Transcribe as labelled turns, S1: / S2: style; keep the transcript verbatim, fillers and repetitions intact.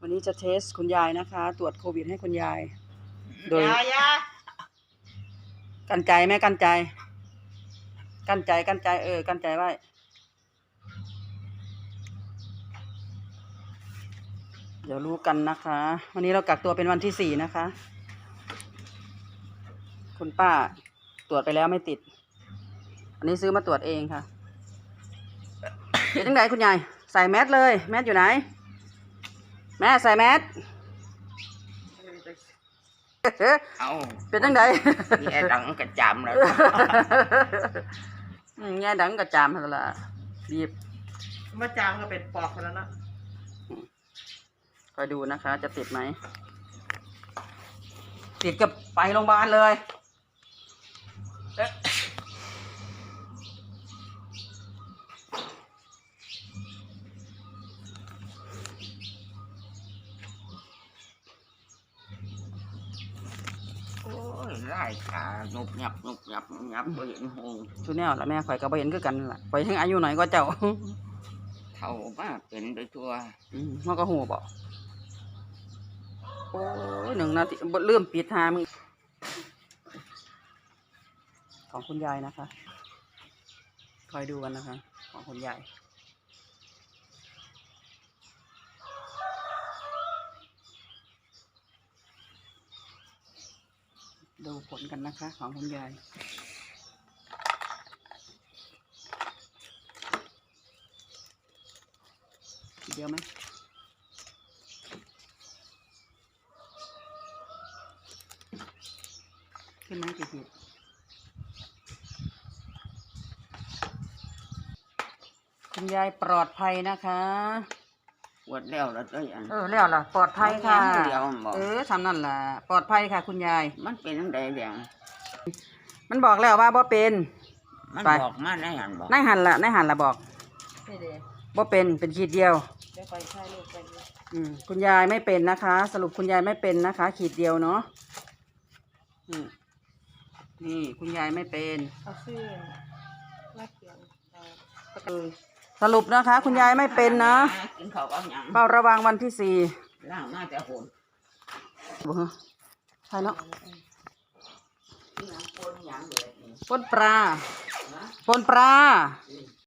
S1: วันนี้จะเทสคุณยายนะคะ ตรวจโควิดให้คุณยายโดยกันใจไหมกันใจกันใจกันใจเออกันใจไว้เดี๋ยวรู้กันนะคะ วันนี้เรากักตัวเป็นวันที่สี่นะคะ คุณป้าตรวจไปแล้วไม่ติดอันนี้ซื้อมาตรวจเองค่ะเป็นจังไดคุณยายใส่แมสเลยแมสอยู่ไหนแม่ใส่แมส
S2: เอา
S1: เป็นจังได
S2: แง่ดังกระจำเลย
S1: แง่ดังกระจามเท่าละรีบ
S3: มาจามก็เป็นปอกแล้วนะ
S1: คอยดูนะคะจะติดไหมติดกับไปโรงพยาบาลเลย
S2: โอ้ยไล่ขาหนุบหยับหนุบหยับหนุบหยับบ่เห็นหง
S1: ชุดแนวละแม่ข่อยก็บ่เห็นคือกันล่ะข่อยยังอายุหน่อยก็เจ้า
S2: เท่ามากเป็นไปทั่ว
S1: อืมมันก็หูบ่โอ้ยหนึ่งนาทีบ่ลืมปิดหามึงของคุณยายนะคะคอยดูกันนะคะของคุณยายดูผลกันนะคะของคุณยายเดียวไหมขึ้นไหมกี่ขีดคุณยายปลอดภัยนะคะ
S2: ปวดแล้วแล้วก็ยัง
S1: เออแล้วล่ะปลอดภัยค่ะเออทำนั่นล่ะปลอดภัยค่ะคุณยาย
S2: มันเป็นทั้งใดแดง
S1: มันบอกแล้วว่าบ่เป็น
S2: มันบอกมาได้หันบอก
S1: ได้หันละได้หันละบอกบ่เป็นเป็นขีดเดียวอืมคุณยายไม่เป็นนะคะ สรุปคุณยายไม่เป็นนะคะ ขีดเดียวเนาะนี่คุณยายไม่เป็นสรุปนะคะ คุณยายไม่เป็นนะเฝ้าระวังวันที่สี่
S2: ล่างมาแต่โหน
S1: บ่ใช่เนาะปนปลาปนปลา